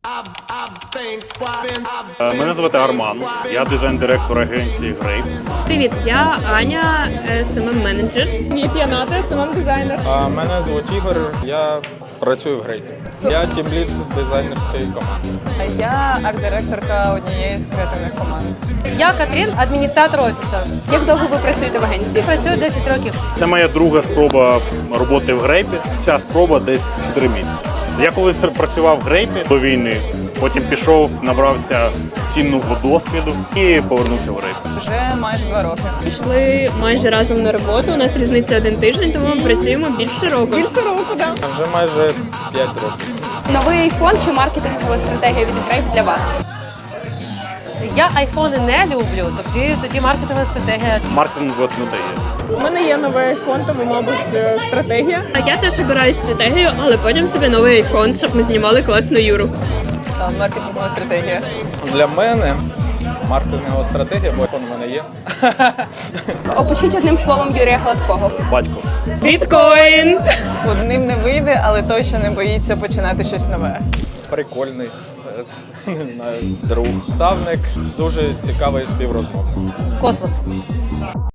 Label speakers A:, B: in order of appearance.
A: Мене звати Арман, я дизайн-директор агенції Grape.
B: Привіт, я Аня, SMM-менеджер.
C: Привіт, я Ната, SMM-дизайнер.
D: Мене звуть Ігор, я працюю в Грейпі. Я тімлід дизайнерської команди.
E: Я арт-директорка однієї з креативних команд.
F: Я Катрін, адміністратор офісу.
B: Як довго ви працюєте в агенції?
F: Працюю 10 років.
A: Це моя друга спроба роботи в Grape. Ця спроба десь 4 місяці. Я колись працював в Grape до війни, потім пішов, набрався цінного досвіду і повернувся в Grape.
E: Вже майже 2 роки.
B: Пішли майже разом на роботу. У нас різниця 1 тиждень, тому ми працюємо більше року.
C: Більше року, так.
D: Вже майже 5 років.
B: Новий айфон чи маркетингова стратегія від Grape для вас?
F: Я айфони не люблю, тоді маркетингова стратегія.
A: Маркетингова стратегія.
C: У мене є новий айфон, тому, мабуть, стратегія.
B: А я теж обираю стратегію, але потім собі новий айфон, щоб ми знімали класну Юру.
E: Маркетингова стратегія.
D: Для мене маркетингова стратегія, бо iPhone у мене є.
B: Опишіть одним словом Юрія Гладкого.
A: Батько.
B: Біткоін!
E: Одним не вийде, але точно не боїться починати щось нове.
D: Прикольний, не знаю, друг. Ставник, дуже цікавий співрозмовник.
F: Космос.